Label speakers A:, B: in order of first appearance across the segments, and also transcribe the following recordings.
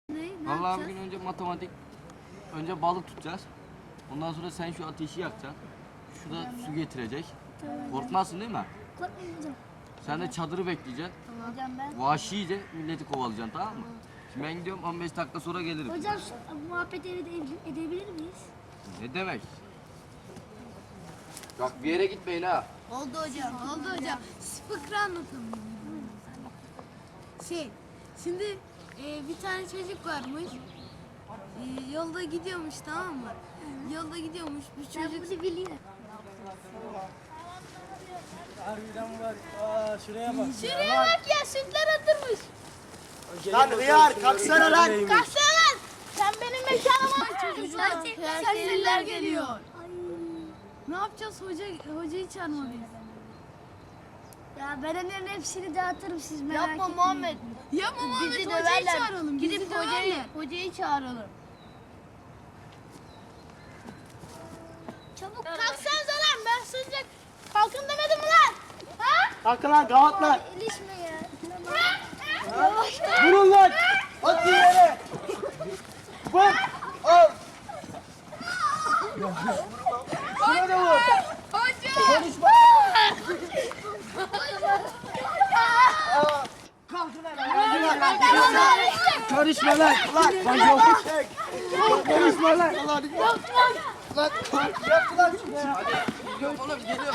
A: Vallahi bugün önce matematik, önce balık tutacağız. Ondan sonra sen şu ateşi yakacaksın. Şu da su getirecek. Korkmazsın değil mi?
B: Korkmayın hocam.
A: Sen de çadırı bekleyeceksin.
B: Hocam ben.
A: Vahşice milleti kovalayacaksın, tamam mı? Şimdi ben gidiyorum, 15 dakika sonra gelirim.
B: Hocam şu muhabbet edebilir miyiz?
A: Ne demek? Bak bir yere gitmeyin ha.
C: Oldu hocam. Siz fıkra anlatalım. Şimdi bir tane çocuk varmış. Yolda gidiyormuş, tamam mı? Yolda gidiyormuş bir
B: Ben
C: çocuk.
B: bunu biliyorum.
D: Harbiden var. Aa, şuraya bak.
C: Şuraya bak ya, sütler atırmış.
D: Lan hıyar kalksana lan.
C: Kalksana lan. Sen benim mekanıma. Çocuklar, serseriler geliyor. Ne yapacağız, hocayı çağırmalıyız.
B: Ya ben onların hepsini dağıtırım siz merak
C: Yapma
B: etmeyin.
C: Muhammed. Yapma Muhammed,
E: Bizi
C: hocayı
E: döverler.
C: çağıralım.
E: Gidip hocayı çağıralım.
C: Çabuk kalksanıza lan, ben sıcak. Kalkın demedim mi lan? Ha?
D: Kalkın lan gavatlar.
B: İlişme ya.
D: Vurun lan. At yere. Vur. Al. Şuna da vur. Konuşma. Kalkın lan. Karışma lan. Lan yok. Konuşma lan. Lan. Yap lan şunu ya.
A: Gidiyorum oğlum, geliyorum.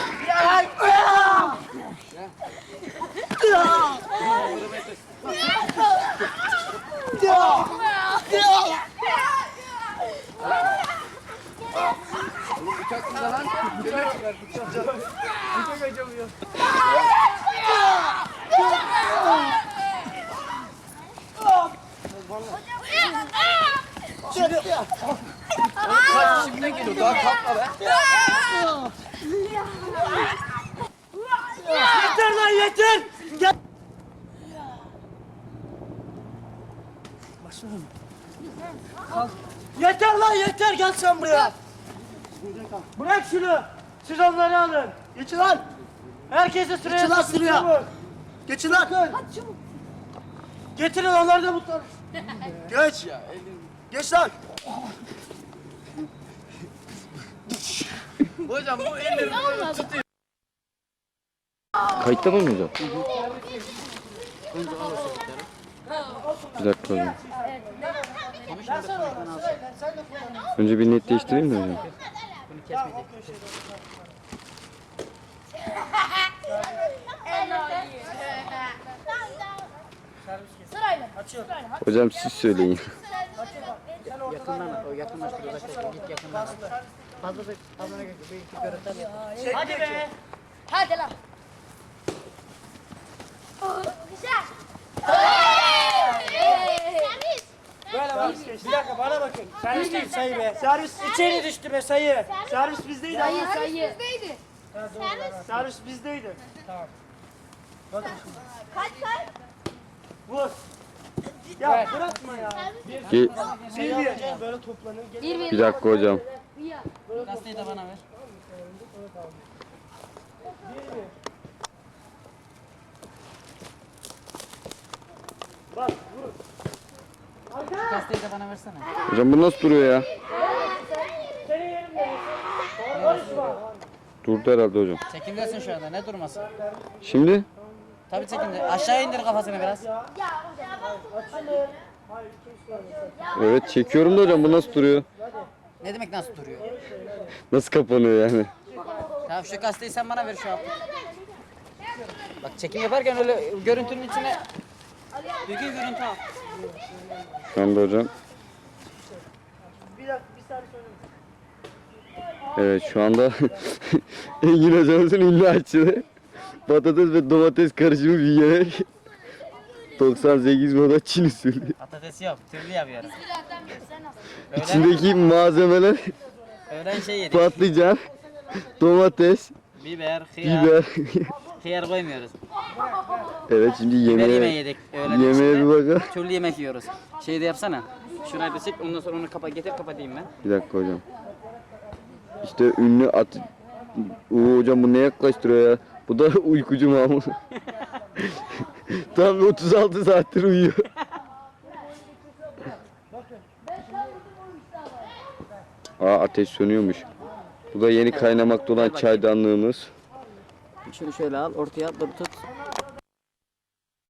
A: Oğlum bıçak burada lan.
D: Bıçak acımıyor.
A: Kaç şimdiden geliyor, daha kalkma be.
D: Yeter lan yeter. Gel. Başlayalım. Yeter lan yeter, gel sen buraya. Bırak şunu. Siz onları alın. Geçin lan. Herkese sıraya. Geçin lan sıraya. Geçin lan. Getirin onları da mutlu. Geç. Geç lan.
A: Hocam bu ellerini tutuyor.
F: Kayıtta mı hocam? Bir dakika hocam. Önce bir net değiştireyim de hocam. Hocam siz söyleyin.
D: Hadi be.
C: Hadi lan.
D: Böyle bak. Bir dakika bana bakın. Servis değil, sayı be. Servis içeri düştü be, sayı. Servis bizdeydi.
C: Sayı. Bizdeydi.
D: Servis bizdeydi. Tamam. Bakın şimdi.
C: Kaç say?
D: Vur. Ya bırakma ya.
F: Ki,
D: Sayı diyeceğim böyle toplanır.
F: bir dakika hocam.
E: Gazeteyi de bana ver.
D: Bak vur.
E: Gazeteyi de bana versene.
F: Hocam bu nasıl duruyor ya?
D: Senin yerinde. Konuşma.
F: Durdu herhalde hocam.
E: Çekimdesin şu anda, ne durması?
F: Şimdi?
E: Tabii çekimde. Aşağı indir kafasını biraz.
D: Açılın. Hayır kim sormuyor?
F: Evet çekiyorum da hocam bu nasıl duruyor?
E: Ne demek nasıl duruyor?
F: Nasıl kapanıyor yani?
E: Tamam, şu gazeteyi sen bana ver şu an. Bak çekim yaparken öyle görüntünün içine düzgün görüntü al.
F: Şu anda hocam.
D: Bir dakika bir saniye söyle.
F: Evet şu anda Engin hocamızın ünlü açığı patates ve domates karışımı bir yemek. 98 moda Çin usulü.
E: Patatesi yok, türlü yapıyoruz.
F: İçindeki malzemeler
E: Öğlen şey yedik.
F: patlıcan, domates,
E: Biber, hıyar.
F: biber.
E: Hıyar koymuyoruz.
F: Evet şimdi
E: Biber yemeği
F: yemeğe,
E: yedik. Öğlen
F: yemeğe bir bakalım.
E: türlü yemek yiyoruz. Şey de yapsana. Şurayı da çek, ondan sonra onu getir kapatayım ben.
F: Bir dakika hocam. İşte ünlü at... Oo hocam bu ne yaklaştırıyor ya? Bu da uykucu Mahmut. Tam 36 saattir uyuyor. Aa, ateş sönüyormuş. Bu da yeni kaynamakta olan çaydanlığımız.
E: Şunu şöyle al, ortaya dur tut.